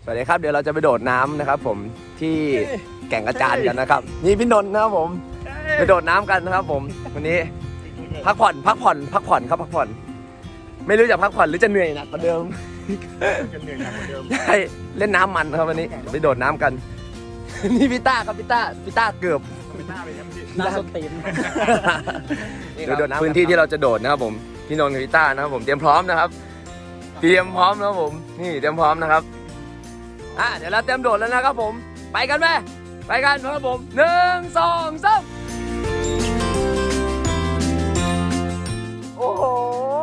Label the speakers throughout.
Speaker 1: สวัสดีครับเดี๋ยวเราจะไปโดดน้ำนะครับผมที่แก่งกระจานกันนะครับนี่พี่นนท์นะครับผมไปโดดน้ำกันนะครับผมวันนี้พักผ่อนครับพักผ่อนไม่รู้จะพักผ่อนหรือจะเหนื่อยหนักกว่าเดิมใช่เล่นน้ำมันครับวันนี้ไปโดดน้ำกันนี่พี่ต้าครับพี่ต้าเกือบ
Speaker 2: น้ำส้นตีน
Speaker 1: เดี๋ยวโดดน้ำพื้นที่ที่เราจะโดดนะครับผมพี่นนท์กับพี่ต้านะครับผมเตรียมพร้อมนะครับเตรียมพร้อมนะครับผมนี่เตรียมพร้อมนะครับเดี๋ยวเราเตรียมโดดแล้วนะครับผมไปกันไหมไปกันนะครับผม1 2 3โอ้โห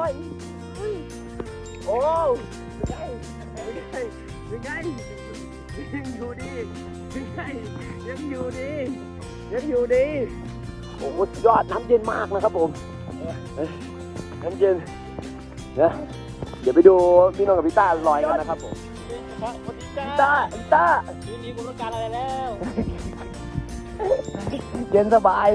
Speaker 1: โอ้ยังไงยังอยู่ดียังอยู่ดีโอ้โหยอดน้ำเย็นมากนะครับผมน้ำเย็นนะเดี๋ยวไปดูพี่นนท์กับพี่ต้าลอยกันนะครับผมพี่ต้า
Speaker 2: ทีนี้กูต้องการอะไรแล้ว
Speaker 1: เย็นสบาย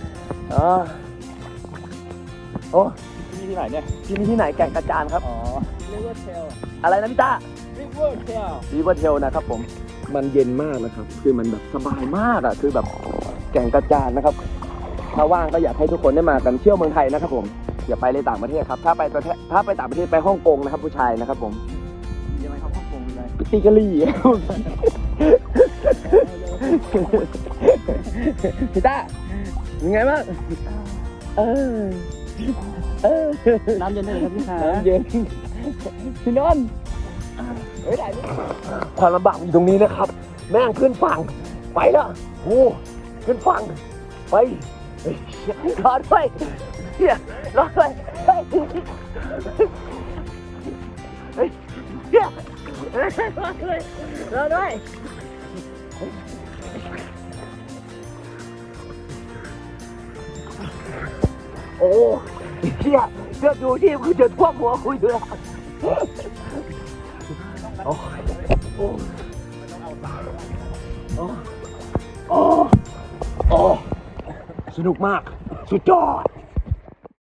Speaker 1: โอ้
Speaker 2: ที่ไหนเนี่ย
Speaker 1: ที่นี่ที่ไหนแก่งกระจานครับ
Speaker 2: อ๋อ River Trail
Speaker 1: อะไรนะพี่ต้า
Speaker 2: River Trail
Speaker 1: River Trail นะครับผมมันเย็นมากนะครับคือมันแบบสบายมากอ่ะคือแบบแก่งกระจานนะครับถ้าว่างก็อยากให้ทุกคนได้มากันเที่ยวเมืองไทยนะครับผมอย่าไปเลยต่างประเทศครับถ้าไปต่างประเทศไปฮ่องกงนะครับผู้ชายนะครับผม
Speaker 2: ยังไงครับฮ่องกงเลย
Speaker 1: ปิติกะลี่พี่ต้ายังไงบ้าง
Speaker 2: น้ำเย็นได้เลยครับพี่ชาย
Speaker 1: น้ำเย็นพี่นนท์เฮ้ยได้ไหมความลำบากอยู่ตรงนี้นะครับแม่งขึ้นฝั่งไปแล้วโอ้ขึ้นฝั่งไปรอด้วยรอด้วยรอด้วยโอ้เชี่ยเสื้อดูที่คือจะท่วมหัวคุยด้วยโอ้โอ้โอ้โอ้สนุกมากสุดยอด